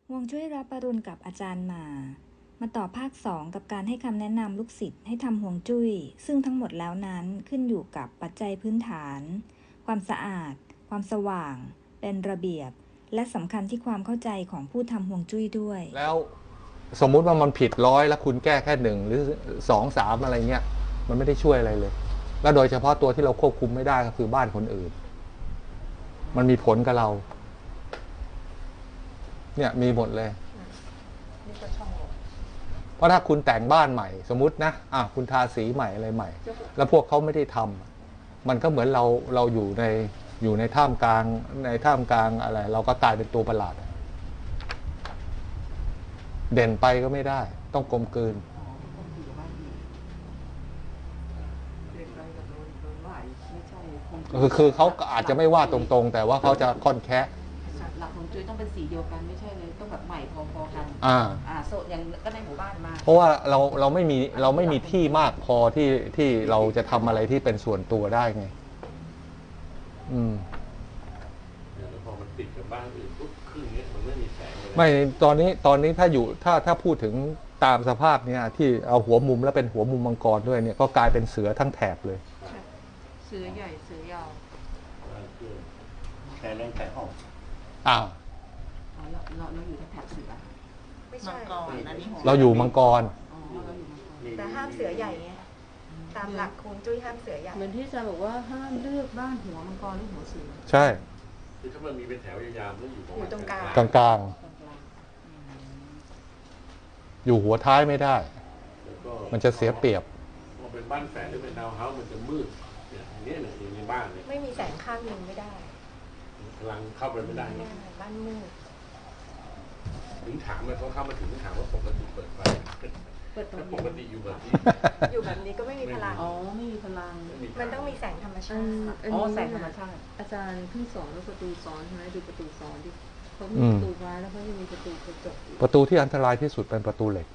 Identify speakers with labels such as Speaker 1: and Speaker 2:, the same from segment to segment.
Speaker 1: ฮวงจุ้ยรับปรุณกับอาจารย์มาต่อภาค 2กับการให้คำแนะนำลูกศิษย์ให้ทำฮวงจุ้ยซึ่งทั้งหมดแล้วนั้นขึ้นอยู่กับปัจจัยพื้นฐานความสะอาดความสว่างเป็นระเบียบและสำคัญที่ความเข้าใจของผู้ทำฮวงจุ้ยด้วย
Speaker 2: แล้วสมมุติว่ามันผิด100แล้วคุณแก้แค่1หรือ2 3อะไรเงี้ยมันไม่ได้ช่วยอะไรเลยแล้วโดยเฉพาะตัวที่เราควบคุมไม่ได้ก็คือบ้านคนอื่นมันมีผลกับเราเนี่ยมีหมดเลยเพราะถ้าคุณแต่งบ้านใหม่สมมุตินะคุณทาสีใหม่อะไรใหม่แล้วพวกเขาไม่ได้ทำมันก็เหมือนเราอยู่ในท่ามกลางอะไรเราก็กลายเป็นตัวประหลาดเด่นไปก็ไม่ได้ต้องกลมกลืนคือเขาอาจจะไม่ว่าตรงๆแต่ว่าเขาจะค่อนแคะ
Speaker 3: หลักของจุ้ยต้องเป็นสีเดียวกันไม่ใช่เลยต้องแบบใหม่พอๆกันโซนอย่างก็ในหมู่บ้านมา
Speaker 2: เพราะว่าเราไม่มีที่มากพอที่เราจะทำอะไรที่เป็นส่วนตัวได้ไง
Speaker 4: แล้วพอมันติดกับบ้านอื่นปุ๊บครึ่งนี้มันไม่มีแสงเลย
Speaker 2: ไม่ตอนนี้ถ้าพูดถึงตามสภาพเนี่ยที่เอาหัวมุมแล้วเป็นหัวมุมมังกรด้วยเนี่ยก็กลายเป็นเสือทั้งแถบเลย
Speaker 3: เสือใหญ่เสือยาว
Speaker 4: แค่แรงแค่ออก
Speaker 3: เราอยู่แถบเสือ
Speaker 5: ไม่ใช่
Speaker 2: เราอยู่มังกร
Speaker 5: แต่ห้ามเสือใหญ่ไงตามหลักฮวงจุ้ยห้ามเสือใหญ่
Speaker 3: เหมือนที่อาจารย์บอกว่าห้ามเลือกบ้านหัวมังกรหรือหัวเสือ
Speaker 2: ใช่
Speaker 4: คือถ้ามันมีเป็นแถวยาวๆแล้ว
Speaker 5: อยู่ตรงกล
Speaker 2: างอยู่หัวท้ายไม่ได้มันจะเสียเปรียบ
Speaker 4: พอเป็นบ้านแฝดหรือเป็นดาวเฮาส์มันจะมืดอย่างนี้อยู่ในบ้านเนี่ย
Speaker 5: ไม่มีแสงข้างหนึ่งไม่ได้
Speaker 4: พลังเข้าไปไม่ได้
Speaker 5: บ้านมืด
Speaker 4: ถึงถามเลยเขาเข้ามาถึงถามว่าปกติเปิดไฟปกติอยู่แบบนี้
Speaker 5: อยู่แบบนี้ก็ไม่มีพลัง
Speaker 3: ไม่มีพลัง
Speaker 5: มันต้องมีแสงธรรมชาติ
Speaker 3: แสงธรรมชาติอาจารย์เพิ่งสอนว่าประตูซ้อนใช่ไหมดูประตูซ้อนดิเขามีประตูไม้แล้วเขายังมีประตูกระจก
Speaker 2: ประตูที่อันตรายที่สุดเป็นประตูเหล็ก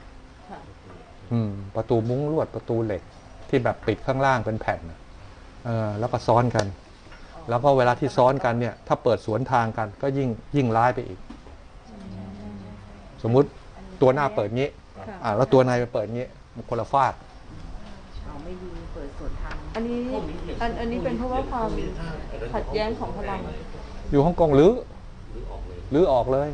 Speaker 2: ประตูมุ้งลวดประตูเหล็กที่แบบปิดข้างล่างเป็นแผ่นแล้วก็ซ้อนกันแล้วก็เวลาที่ซ้อนกันเนี่ยถ้าเปิดสวนทางกันก็ยิ่งร้ายไปอีกสมมุติตัวหน้าเปิดงี้แล้วตัวในไปเปิดงี้มันคนละฟาด
Speaker 3: ไม่ดีเปิดสวนทางอันนี้เป็นเพราะว่าความขัดแย้งของพลัง
Speaker 2: อยู่ฮ่องกงรื้อออกเลย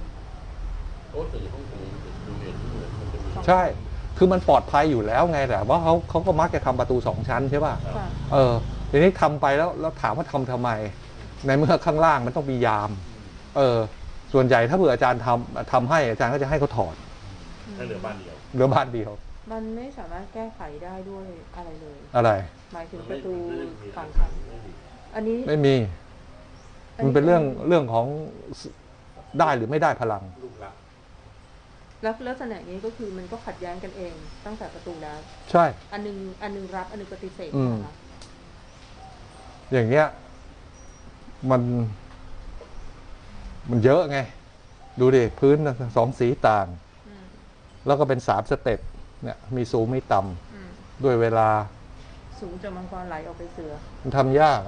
Speaker 2: ใช่คือมันปลอดภัยอยู่แล้วไงแต่ว่าเขาก็มักจะทำประตู2 ชั้นใช่ป่ะทีนี้ทำไปแล้วถามว่าทำไมในเมื่อข้างล่างมันต้องมียามส่วนใหญ่ถ้าเผื่ออาจารย์ทำให้อาจารย์ก็จะให้เขาถอด
Speaker 4: เหลือบ้านเดียว
Speaker 3: มันไม่สามารถแก้ไขได้ด้วยอะไรเลย
Speaker 2: อะไร
Speaker 3: หมายถึงประตู2 ชั้นอันนี้
Speaker 2: ไม่มีมันเป็นเรื่องของได้หรือไม่ได้พลัง
Speaker 3: แล้วลักษณะนี้ก็คือมันก็ขัดแย้งกันเองตั้งแต่ประตูแล้ว
Speaker 2: ใช่
Speaker 3: อันนึงรับอันนึงปฏิเสธนะคะ
Speaker 2: อย่างเงี้ยมันเยอะไงดูดิพื้น2 สีต่างแล้วก็เป็น3 สเต็ปเนี่ยมีสูงมีต่ำด้วยเวลา
Speaker 3: สูงจากมังกรไหลออกไปเสือ
Speaker 2: มันทำยาก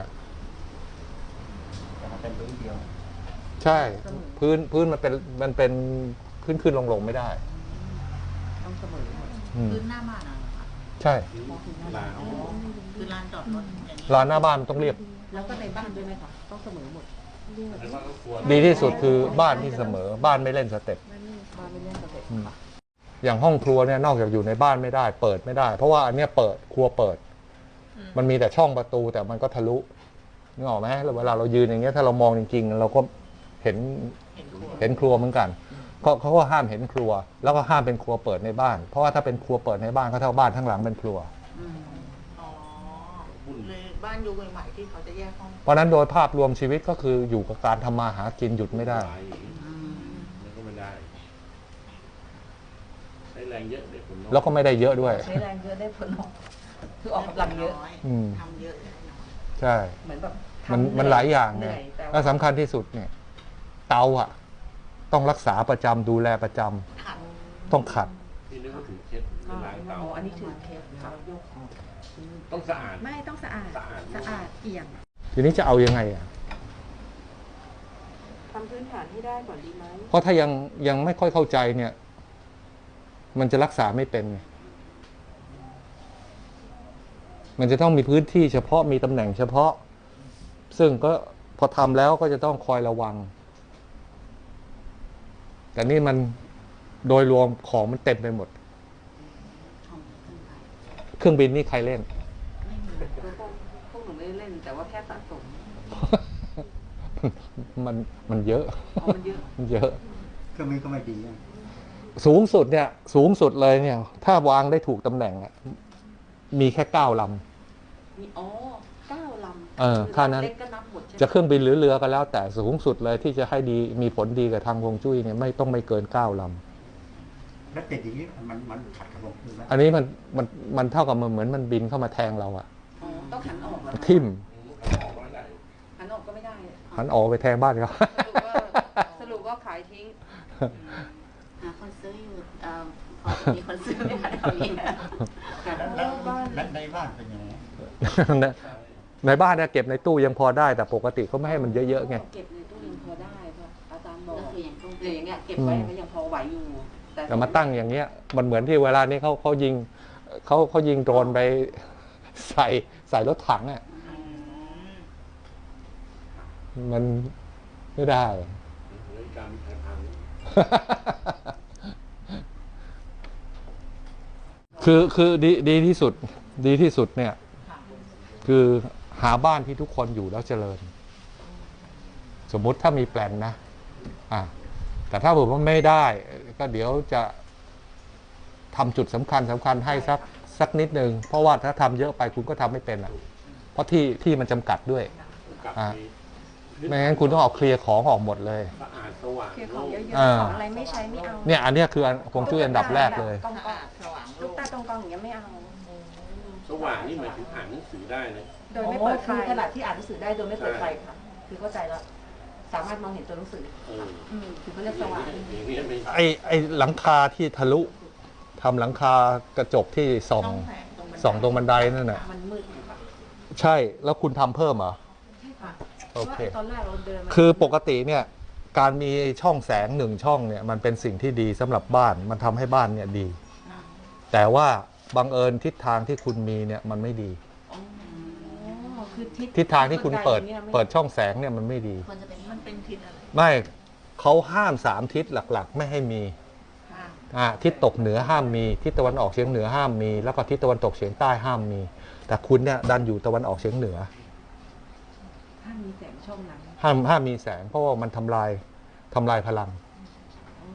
Speaker 4: เป็นพื้นเดียว
Speaker 2: ใช่พื้นมันเป็นขึ้นลงไม่ได้
Speaker 3: ต้องเสมอพื้นหน้าบ้าน
Speaker 2: ใช่
Speaker 3: คือลานจอดรถ
Speaker 2: ลานหน้าบ้านต้องเรียบ
Speaker 3: แล้วก็ในบ้านด้วยไหมคะต้องเสมอหมด
Speaker 2: ดีที่สุดคือบ้านที่เสมอบ้านไม่เล่นสเต็ปอย่างห้องครัวเนี่ยนอกจากอยู่ในบ้านไม่ได้เปิดไม่ได้เพราะว่าอันเนี้ยครัวเปิดมันมีแต่ช่องประตูแต่มันก็ทะลุนึกออกไหมเวลาเรายืนอย่างเงี้ยถ้าเรามองจริงๆเราก็เห็นครัวเหมือนกันเขาก็ห้ามเห็นครัวแล้วก็ห้ามเป็นครัวเปิดในบ้านเพราะว่าถ้าเป็นครัวเปิดในบ้านก็เท่าบ้านทั้งหลังเป็นครัว
Speaker 5: เลยบ้านยุคใหม่ที่เขาจะแยกห้อง
Speaker 2: เพราะนั้นโดยภาพรวมชีวิตก็คืออยู่กับการทำมาหากินหยุดไม่ได้
Speaker 4: ก็ไม่ได้ใช้แรงเยอะเด็กคนน้อย
Speaker 2: แล้วก็ไม่ได้เยอะด้วย
Speaker 3: ใช้แรงเยอะได้ผลน้อยคือออกกำลังเยอะทำเยอะ
Speaker 2: ใช่
Speaker 3: เหมือนแบบ
Speaker 2: มันหลายอย่างเนี่ยและสำคัญที่สุดเนี่ยเตาต้องรักษาประจำดูแลประจำต้องขัด
Speaker 4: ที่นึกว่าถือเคล็ดล้างเตา
Speaker 3: อันนี้ถือเคล็ด
Speaker 4: ต้องสะอาด
Speaker 5: ไม่ต้องสะอาดเอี่ยม
Speaker 2: ทีนี้จะเอายังไง
Speaker 5: ทำพื้น
Speaker 3: นฐานให้ได้ก่อนดีไหม
Speaker 2: เพราะถ้ายังไม่ค่อยเข้าใจเนี่ย มันจะรักษาไม่เป็นไงมันจะต้องมีพื้นที่เฉพาะมีตำแหน่งเฉพาะ ซึ่งก็พอทำแล้วก็จะต้องคอยระวัง แต่นี่มันโดยรวมของมันเต็มไปหมด เครื่องบินนี่ใครเล่น
Speaker 3: พวกหนูไม่ได้เล่นแต่ว่าแค่สะสม
Speaker 2: มันเยอะ
Speaker 3: มันเยอะ
Speaker 2: มันเยอะ
Speaker 6: เครื่องบินก็ไม่ดีอะ
Speaker 2: สูงสุดเนี่ย สูงสุดเลยเนี่ย ถ้าวางได้ถูกตำแหน่งอะมีแค่9 ลำ
Speaker 3: มี9 ลำ
Speaker 2: ค่านั้น
Speaker 3: เล็กก็นับหมดใช่ไหม
Speaker 2: จะเครื่องบินหรือเรือก็แล้ว แต่สูงสุดเลยที่จะให้ดีมีผลดีกับทางฮวงจุ้ยเนี่ยไม่ต้องไม่เกิน9 ลำ
Speaker 6: แล้วติดอย่างนี้มันขัดกับผมไหม
Speaker 2: อันนี้มันเท่ากับมันเหมือนมันบินเข้ามาแทงเราอะ
Speaker 3: ต้องหันออกเหรอ
Speaker 2: ทิ่ม
Speaker 3: หันออกก็ไม่ได้
Speaker 2: หันออกไปแทงบ้านเขา
Speaker 3: สรุปว่าขายทิ้ง
Speaker 7: หาคนซื้ออยู่พอจะมีคนซื้อไหมคะแถวนี้
Speaker 6: แล้วในบ้านเป็นยังไง
Speaker 2: ในบ้านเนี่ยเก็บในตู้ยังพอได้แต่ปกติเขาไม่ให้มันเยอะๆไง
Speaker 3: เก็บในตู้ยังพอได้ป่ะอาจารย์บอก
Speaker 7: ก็คืออย่างตู้
Speaker 3: อย่างเงี้ยเก็บไว้ก็ยังพอไหวอยู่
Speaker 2: แต่มาตั้งอย่างเงี้ย มันเหมือนที่เวลานี้เขายิงเขายิงโดรนไปใส่รถถังอ่ะมันไม่ได้
Speaker 4: การมีทาง
Speaker 2: คือดีที่สุดเนี่ย คือหาบ้านที่ทุกคนอยู่แล้วเจริญ สมมุติถ้ามีแปลนนะแต่ถ้าผมว่าไม่ได้ก็เดี๋ยวจะทำจุดสำคัญให้สักนิดนึงเพราะว่าถ้าทำเยอะไปคุณก็ทำไม่เป็นเพราะที่มันจำกัดด้วย
Speaker 4: กับมี
Speaker 2: ไม่งั้นคุณต้องเอาเคลียร์ของออกหมดเลย
Speaker 4: สะอาดสว่าง
Speaker 5: เคลียร์ของเยอะ
Speaker 2: อ่า
Speaker 5: ๆของอะไรไม่ใช้ไม่เอา
Speaker 2: เนี่ยอันเนี้ยคือฮวงจุ้ยอันดับแรกเลย
Speaker 5: กองๆ
Speaker 7: สว่าง
Speaker 5: ลูกตาตรงกองอย่างเงี้ยไม่เอา
Speaker 4: สว่างนี่หมายถึงอ่านหนังสือได้นะ
Speaker 5: โดยไม่เปิดไฟ
Speaker 3: คือขนาดที่อ่านหนังสือได้โดยไม่เปิดไฟค่ะ คือเข้าใจแล้ว สามารถมองเห็นตัวหนังสือ คือเขาเรียกสว่าง
Speaker 4: อย่างนี้ไม่
Speaker 2: ไอ้หลังคาที่ทะลุทำหลังคากระจกที่ส่องตรงบันไดนั่นน่ะ
Speaker 3: มันมืดอยู่ค่ะ
Speaker 2: ใช่แล้วคุณทำเพิ่มเหรอ
Speaker 3: ใช่ค่ะ
Speaker 2: โอเค
Speaker 3: พราะว่าตอนแรกเราเดินมา
Speaker 2: คือปกติเนี่ยการมีช่องแสง1 ช่องเนี่ยมันเป็นสิ่งที่ดีสำหรับบ้านมันทำให้บ้านเนี่ยดี แต่ว่าบังเอิญทิศทางที่คุณมีเนี่ยมันไม่ดี
Speaker 3: อ๋อคือ
Speaker 2: ทิศทางที่คุณเปิด
Speaker 3: บันไนี่ยไม่
Speaker 2: เปิดช่องแสงเนี่ยมันไม่ดี
Speaker 7: ควรจะเป็นมันเป็นทิศอะไร
Speaker 2: ไม่เขาห้าม3 ทิศหลักๆ ไม่ให้มี
Speaker 3: ค่ะ
Speaker 2: ทิศตกเหนือห้ามมีทิศตะวันออกเฉียงเหนือห้ามมีแล้วก็ทิศตะวันตกเฉียงใต้ห้ามมี แต่คุณเนี่ยดันอยู่ตะวันออกเฉียงเหนือ
Speaker 3: ถ้ามีแสงช่องนั้น
Speaker 2: ห้ามมีแสงเพราะว่ามันทำลายพลัง
Speaker 3: อ๋อ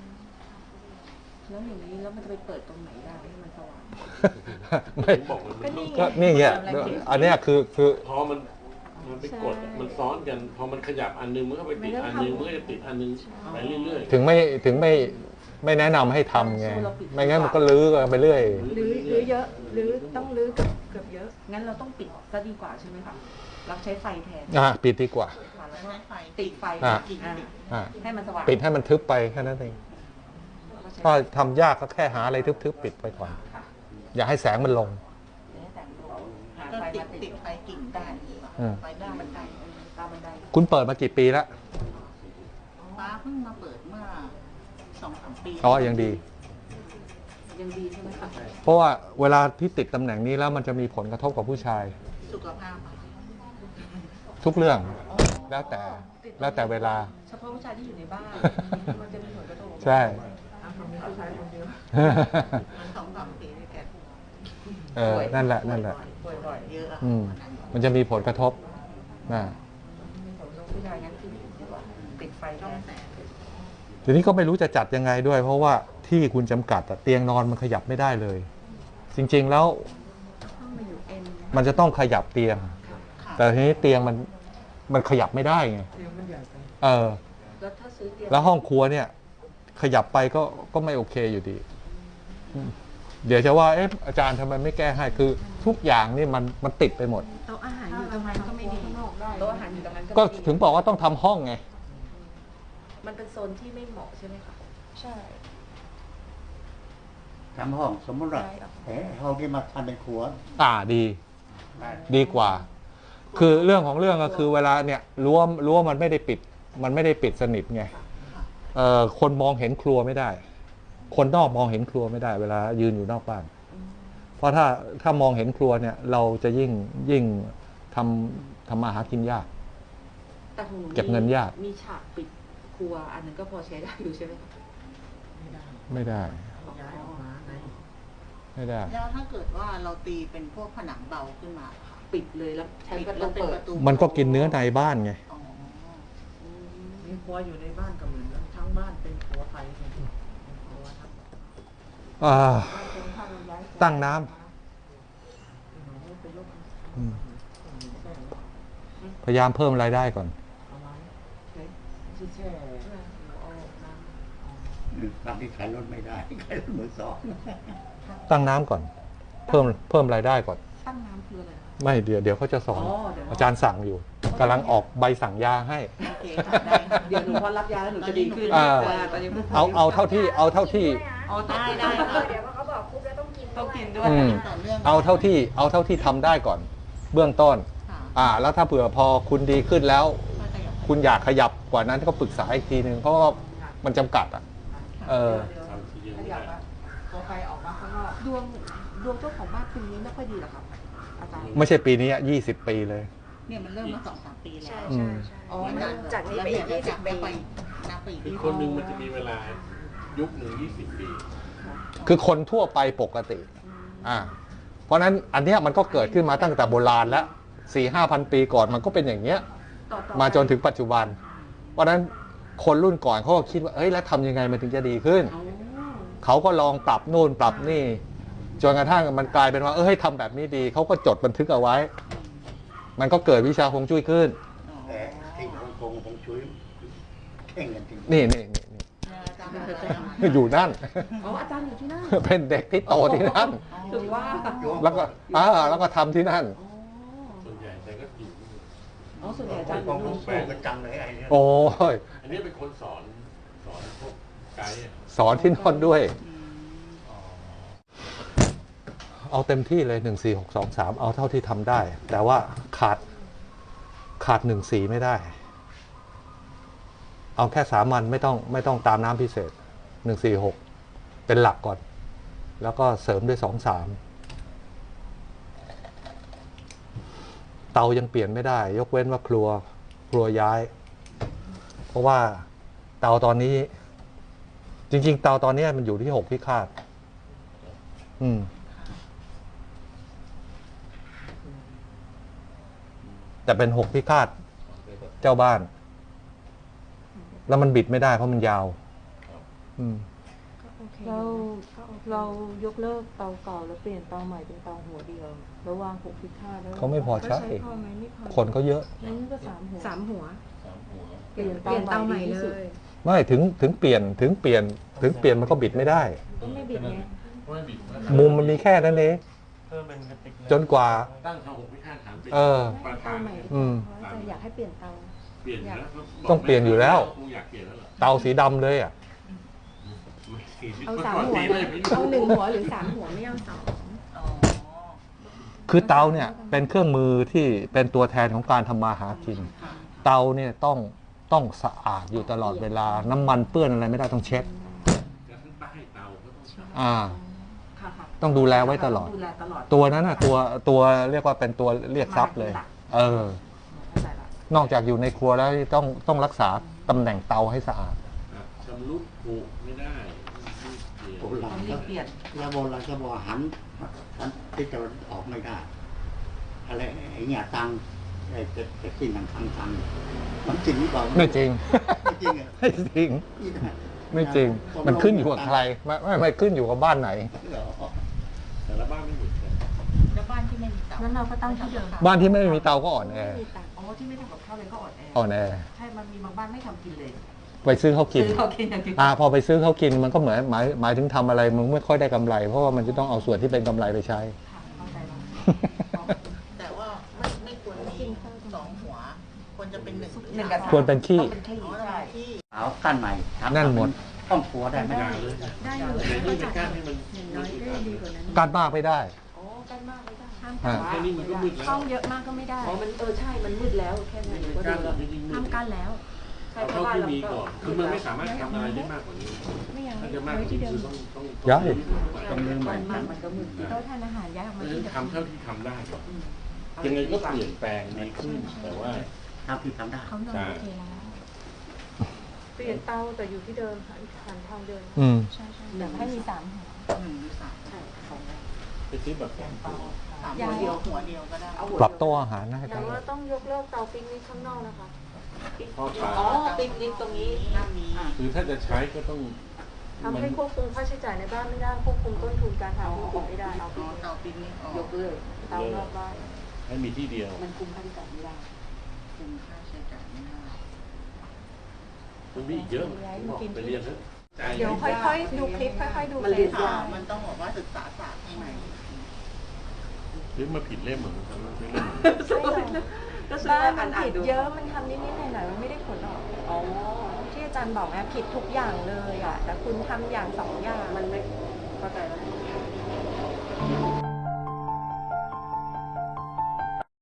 Speaker 3: แล้วอย่างนี้แล้วมันจะไปเปิดตรงไหนได้ให้มันสว่าง
Speaker 2: ไม่
Speaker 4: บอกมัน
Speaker 5: ก็นี่ไง
Speaker 2: ก็นี่ไงอันเนี้ยคือ
Speaker 4: พอมันไปกดมันซ้อนกันพอมันขยับอันนึงมันก็ไปติดอันนึงมันก็จะติดอันนึงไปเรื่อยๆ
Speaker 2: ถึงไม่แนะนำให้ทำไงไม่งั้นมันก็ลื้อกันไปเรื่อย
Speaker 5: หรือเยอะหรือต้องลื้อเกือบเยอะ
Speaker 3: งั้นเราต้องปิดซะดีกว่าใช่ไหมคะเราใช้ไฟแทน
Speaker 2: ปิดดีกว่า
Speaker 3: ค่ะแล้วก็ติดไฟ
Speaker 2: อ่ะ
Speaker 3: อ่าให้มันสว่าง
Speaker 2: ปิดให้มันทึบไปแค่นั้นเอง
Speaker 3: แล้วก็ใช้
Speaker 2: ถ้าทำยากก็แค่หาอะไรทึบๆปิดไปก่อน
Speaker 3: ค่ะ
Speaker 2: อย่าให้แสงมันลง
Speaker 3: ให้แสงลงหา
Speaker 7: ก็
Speaker 3: ไฟ
Speaker 7: ติด
Speaker 3: มา
Speaker 7: ติดไฟกิ่งได้ดีกว่า
Speaker 2: อืม
Speaker 7: ไฟด้านบันได
Speaker 3: ตามบันได
Speaker 2: คุณเปิดมากี่ปีแล้ว
Speaker 7: ฟ้าเพิ่งมาเปิดเมื่อ2-3 ปี
Speaker 2: อ๋อยังดี
Speaker 3: ยังดีใช่ไหมคะ
Speaker 2: เพราะว่าเวลาที่ติดตำแหน่งนี้แล้วมันจะมีผลกระทบกับผู้ชาย
Speaker 7: สุขภาพ
Speaker 2: ทุกเรื่องแล้วแต่เวลา
Speaker 3: เฉพาะผู้ชายที่อยู่ในบ้าน มันจะมีผลกระทบ
Speaker 2: ใช่
Speaker 3: ผู้ชายคนเดียว
Speaker 7: มัน2-3 ปีด้วยกัน
Speaker 2: นั่นแหละ
Speaker 3: ป่วยบ่อย
Speaker 7: เยอะอะ
Speaker 2: มันจะมีผลกระทบนะ
Speaker 3: มีผลกระทบผู้ชายงั้นคือดีกว่าปิดไฟ
Speaker 7: ช่อง
Speaker 3: แทน
Speaker 7: แสง
Speaker 2: ทีนี้ก็ไม่รู้จะจัดยังไงด้วย เพราะว่าที่คุณจำกัดเตียงนอนมันขยับไม่ได้เลย จริงๆแล้ว
Speaker 3: ต้องมาอยู่เอ็น
Speaker 2: มันจะต้องขยับเตียง
Speaker 7: ค่ะ
Speaker 2: แต่ทีนี้เตียงมันขยับไม่ได้ไง
Speaker 3: เตียงมันใหญ่ไปแล้วถ้าซื้อเตียง
Speaker 2: แล้วห้องครัวเนี่ย ขยับไปก็ไม่โอเคอยู่ดี เดี๋ยวจะว่าอาจารย์ทำไมไม่แก้ให้คือทุกอย่างนี่มันติดไปหมด
Speaker 5: โต๊ะอาหารอยู่ตรงนั้นก็ไม่ดี
Speaker 3: โต๊ะอาหารอยู่ตรงนั้น
Speaker 2: ก็
Speaker 3: ไม่ดี
Speaker 2: ถึงบอกว่าต้องทำห้องไง
Speaker 3: มันเป็นโซนที่ไม่เหมาะใช่ไหมคะ
Speaker 5: ใช่
Speaker 6: ทำห้องสมมติว่าห้องที่มาทำเป็นครัว
Speaker 2: ดี
Speaker 6: ได้
Speaker 2: ดีกว่า คือเรื่องของเรื่องก็คือเวลาเนี่ยรั้วมันไม่ได้ปิดมันไม่ได้ปิดสนิทไงคนมองเห็นครัวไม่ได้ คนนอกมองเห็นครัวไม่ได้ เวลายืนอยู่นอกบ้าน เพราะถ้ามองเห็นครัวเนี่ย เราจะยิ่งทำมาหากินยาก
Speaker 3: แต่ของหนู
Speaker 2: เก็บเงินยาก
Speaker 3: มีฉากปิดครัวอันนั้นก็พอใช้ได้อยู่ใช่ไหมคะ
Speaker 2: ไม่ได้
Speaker 8: ย้ายออกมาไง
Speaker 2: ไม่ได้
Speaker 7: แล้วถ้าเกิดว่าเราตีเป็นพวกผนังเบาขึ้นมาค่ะ
Speaker 3: ปิดเลยแล้วใช้
Speaker 7: ปิด
Speaker 3: ประ
Speaker 7: แล้
Speaker 3: ตู
Speaker 7: วเป็น
Speaker 3: เปิ
Speaker 7: ป
Speaker 3: ด
Speaker 7: ระตู
Speaker 2: มันก็กินเนื้อในบ้านไง
Speaker 7: อ๋อ
Speaker 8: มีครัวอยู่ในบ้านก็เหมือนกันทั้งบ้านเป็นครัวไฟเป็นครัวทั้ง
Speaker 2: ตั้งน้ำพยายามเพิ่มรายได้ก่อน
Speaker 8: ที่แช่เอาน้ำ
Speaker 6: บางที่ขายรถไม่ได้ ขายรถมือสอง
Speaker 2: ตั้งน้ำก่อน เพิ่มรายได้ก่อน
Speaker 3: ตั้งน้ำคืออะไรคะ
Speaker 2: ไม่เดี๋ยวเขาจะสอน
Speaker 3: อ๋อเดี๋ยว
Speaker 2: อาจารย์สั่งอยู่กำลังออกใบสั่งยาให้
Speaker 7: โอเคค่ะได้ค่ะ
Speaker 3: เดี๋ยวหนูพอรับยาแล้วหนูจะดีขึ้น ตอนนี้
Speaker 2: เอาเท่าที่
Speaker 3: อ๋อได้ได้
Speaker 5: เดี๋ยวเขาบอกปุ๊บแล้วต้องกิน
Speaker 3: ต้องกินด้
Speaker 5: ด้
Speaker 3: ว
Speaker 5: วย ย
Speaker 7: ต่อเนื่อง
Speaker 2: เอาเท่าที่ทำได้ก่อน เบื้องต้น
Speaker 7: ค่ะ
Speaker 2: แล้วถ้าเผื่อพอคุณดีขึ้นแล้ว
Speaker 7: ก็จะอย่าง
Speaker 2: คุณอยากขยับกว่านั้นก็ปรึกษาอีกทีนึงเพราะว่ามันจำกัดอ่ะ
Speaker 4: ทำทีเดียวไม่ได้
Speaker 3: พอไฟออกมาข้างนอกดวงเจ้าของบ้านปีนี้ไม่ค่อยดีหรอครับอาจารย์
Speaker 2: ไม่ใช่ปีนี้20 ปีเลย
Speaker 7: เนี่ยมันเริ่มมา2-3 ปีแล้ว
Speaker 2: อืม
Speaker 5: อ๋อจากนี้ไปอีก20 ปี
Speaker 7: นับไปอีก
Speaker 4: คือคนหนึ่งมันจะมีเวลายุคหนึ่ง20 ปี
Speaker 2: คือคนทั่วไปปกติ เพราะฉะนั้นอันเนี้ยมันก็เกิดขึ้นมาตั้งแต่โบราณแล้ว 4-5,000 ปีก่อนมันก็เป็นอย่างเงี้ย มาจนถึงปัจจุบัน เพราะฉะนั้นคนรุ่นก่อนเขาก็คิดว่าเอ้ยแล้วทำยังไงมันถึงจะดีขึ้น เขาก็ลองปรับนู่นปรับนี่ จนกระทั่งมันกลายเป็นว่าให้ทำแบบนี้ดี เขาก็จดบันทึกเอาไว้ มันก็เกิดวิชาฮวงจุ้ยขึ้น
Speaker 6: แต่ที่ฮ่องกงคงช่วยแข่งกันจริง
Speaker 2: นี่ อยู่นั่น
Speaker 3: อ๋ออาจารย์อยู่ที่นั่น
Speaker 2: เป็นเด็กที่โตที่นั่น
Speaker 3: ถึงว่า
Speaker 2: แล้วก็ทำที่นั่น
Speaker 4: ส่วนใหญ่แต่ก็อยู่
Speaker 3: อ๋อส่วนใหญ่อาจารย์
Speaker 6: ฮ่องกงสู้กันจังเลยไอ้เนี่ย
Speaker 2: โอ้ย
Speaker 4: อันนี้เป็นคนสอนพวกไกด์อะ
Speaker 2: สอนที่นอนด้วย เอาเต็มที่เลย1-4-6-2-3เอาเท่าที่ทำได้ แต่ว่าขาด1-4ไม่ได้ เอาแค่สามัญไม่ต้องตามน้ำพิเศษ1-4-6เป็นหลักก่อน แล้วก็เสริมด้วย2-3เตายังเปลี่ยนไม่ได้ ยกเว้นว่าครัวย้าย เพราะว่าเตาตอนนี้ จริงๆเตาตอนนี้มันอยู่ที่6พิฆาตแต่เป็น6พิฆาตเจ้าบ้าน แล้วมันบิดไม่ได้เพราะมันยาว
Speaker 3: เรายกเลิกเตาเก่าแล้วเปลี่ยนเตาใหม่เป็นเตาหัวเดียวแล้ววาง6พิฆาตแล้ว
Speaker 2: เขาไม่พอใช้
Speaker 3: พอไหมไม่พอ
Speaker 2: คนเขาเยอะ
Speaker 3: นั่นก็3 หัว เป
Speaker 5: เปลี่ยนเตาใหม่เลย
Speaker 2: ไม่ถึงเปลี่ยนมันก็บิดไม่ได้
Speaker 3: ก็ไม่บิดไง
Speaker 4: ไม่บิด
Speaker 2: มุมมันมีแค่นั้นเองจนกว่า
Speaker 4: ตั้งเขา6พิฆาตฐานเป็น ประธา
Speaker 3: เตาน ใหม่
Speaker 2: อืม
Speaker 3: เพราะอาจารย์อยากให้เปลี่ยนเตา
Speaker 4: เปลี่ยนแล้ว
Speaker 2: ต้องเปลี่ยนอยู่แล้ว
Speaker 4: คงอยากเปลี่ยนแล้วเหรอ
Speaker 2: เตาสีดำเลยอ่ะ
Speaker 3: เอา3 หัวนะเอา1 หัวหรือ3 หัวไม่เอา2
Speaker 7: อ๋อ
Speaker 2: คือเตาเนี่ยเป็นเครื่องมือที่เป็นตัวแทนของการทำมาหากิน เตาเนี่ยต้องสะอาดอยู่ตลอดเวลา น้ำมันเปื้อนอะไรไม่ได้ต้องเช็ด
Speaker 4: แล้วทั้งใต้เตาก็ต้องใช้
Speaker 3: ค่ะ
Speaker 2: ต้องดูแลไว้ตลอด
Speaker 3: ดูแลตลอด
Speaker 2: ตัวนั้นน่ะตัวเรียกว่าเป็นตัวเรียกทรัพย์เลย
Speaker 3: เข้าใจละ
Speaker 2: นอกจากอยู่ในครัวแล้วต้องรักษาตำแหน่งเตาให้สะอาด
Speaker 4: ชำรุดผุไม่ได้
Speaker 6: โบราณ
Speaker 7: ต้องรีบเปลี่ยน
Speaker 6: แล้วโบราณก็บอกหันที่จะออกไม่ได้ อะไรไอ้เนี่ยตังไอ้จะกินทางมันจริงหรือเปล่า
Speaker 2: ไม่จริง
Speaker 6: ไม่จริงเหรอ
Speaker 2: ไม่จริง
Speaker 6: นี่นะ
Speaker 2: ไม่จริง มันขึ้นอยู่กับใครไม่ขึ้นอยู่กับบ้านไหน
Speaker 6: เหรอ
Speaker 4: แต่ละบ้านไม่เหมือนกัน
Speaker 7: แล้วบ้านที่ไม่มีเตา
Speaker 3: งั้นเราก็ตั้งที่เดิม
Speaker 2: บ้านที่ไม่มีเตาก็อ่อนแอ
Speaker 3: อ๋อที่ไม่ทำกับข้าวเลยก็อ่อนแอ
Speaker 2: อ่อนแอ
Speaker 3: ใช่มันมีบางบ้านไม่ทำกินเลย
Speaker 2: ไปซื้อเขากิน
Speaker 3: ซื้อเขากินอย่างเดียว
Speaker 2: พอไปซื้อเขากินมันก็เหมือนหมายถึงทำอะไรมึงไม่ค่อยได้กำไร เพราะว่ามันจะต้องเอาส่วนที่เป็นกำไรไปใช้
Speaker 3: ค่ะเข้าใจแล้ว
Speaker 7: แต่ว่าไม่ควรมี2 หัว ควรจะเป็น1
Speaker 3: กับ
Speaker 2: ควรเป็นขี้
Speaker 3: ต้องเป็นขี้
Speaker 7: อ๋อ
Speaker 3: ใช่
Speaker 7: ที่
Speaker 6: เอากั้นใหม่ทำ
Speaker 2: นั่นหมด
Speaker 6: ต้องครัวได้ไหม
Speaker 4: อย่างเลย
Speaker 3: ได้อยู่
Speaker 4: แต่นี่เป็นการให้มัน
Speaker 3: น้อยได้ดีกว่านั้น
Speaker 2: การมากไม่ได้
Speaker 3: อ๋อกันมากไม่ได้ห้าม
Speaker 2: อ่า
Speaker 4: แค่นี้มันก็มืดแล้ว
Speaker 3: ช่องเยอะมากก็ไม่ได้อ๋อมันใช่มันมืดแล้วแค่นั้นก็
Speaker 4: กา
Speaker 3: ดู
Speaker 4: ร
Speaker 3: แล้ว
Speaker 4: จริงๆมื
Speaker 3: ห้าม
Speaker 4: ด
Speaker 3: กั้นแล้ว ถ้
Speaker 4: เอาเท่าที่มีก่อน คือมันไม่สามารถทำอะไรได้มากกว่านี้
Speaker 5: ไม่อย่าง
Speaker 4: ถ้า
Speaker 5: นี้
Speaker 4: จะมากกว่านี้คือต้อง
Speaker 2: ย้าย
Speaker 6: ต้องเรื่องใหม่
Speaker 3: มันก็มือ
Speaker 5: โต๊ะทานอาหารย้ายออกมาที่เดิม
Speaker 4: ทำเท่าที่ทำได้ก่อนยังไงก็เปลี่ยนแปลงดีขึ้น แต่ว่า
Speaker 6: เท่าที่ทำได้
Speaker 5: เขานอนโอเคแล้ว
Speaker 3: เปลี่ยนเตาแต่อยู่ที่เดิมหันทางเดิม
Speaker 2: อืม
Speaker 5: ใช่ใช่แต่ให้มี3หัว
Speaker 7: 1 หรือ 3
Speaker 3: ใช่สอง
Speaker 4: ไปซื้อแบบสองตัว
Speaker 7: 3 หัวเดียวก็ได้
Speaker 2: ปรับโต๊ะอาหารนะให้
Speaker 3: อย่างว่าต้องยกเลิกเตาปิกนิกข้างนอกนะคะ
Speaker 4: ทอดปลา
Speaker 3: อ๋อปิกนิกตรงนี้
Speaker 7: ห้ามมี
Speaker 4: คือถ้าจะใช้ก็ต้อง
Speaker 3: ทำให้ควบคุมค่าใช้จ่ายในบ้านไม่ได้ควบคุมต้นทุนการทำธุรกิจไม่ได้เอา
Speaker 7: เตาปิกนิกออก
Speaker 3: ยกเลิกเตานอกบ้าน
Speaker 4: ให้มีที่เดียว
Speaker 3: มันคุมค่าใช้จ่ายไม่ได้
Speaker 7: คุมค่าใช้จ่ายไม่ได้
Speaker 4: มันมีอีกเยอะบอกไปเรียนเถอะ
Speaker 5: เดี๋ยวค่อยๆดูคลิปค่อยๆดู
Speaker 3: มันเรียน
Speaker 5: ค่ะ
Speaker 7: มันต้องบอกว่าศึกษาศาสตร์ข้างใน
Speaker 4: หรือมาผิดเล่มเหมือนกันไม่เล่ม
Speaker 3: ก็ซื้อ
Speaker 5: บ้าน
Speaker 3: มา
Speaker 5: มัน
Speaker 3: อ่าน
Speaker 5: ผิด
Speaker 3: ดู
Speaker 5: เยอะมันทำนิดๆหน่อยๆมันไม่ได้ผลออก
Speaker 3: อ๋อ
Speaker 5: ที่อาจารย์บอกนะผิดทุกอย่างเลยอ่ะแต่คุณทำอย่าง2 อย่าง
Speaker 3: มันไม่เข้าใจแล้ว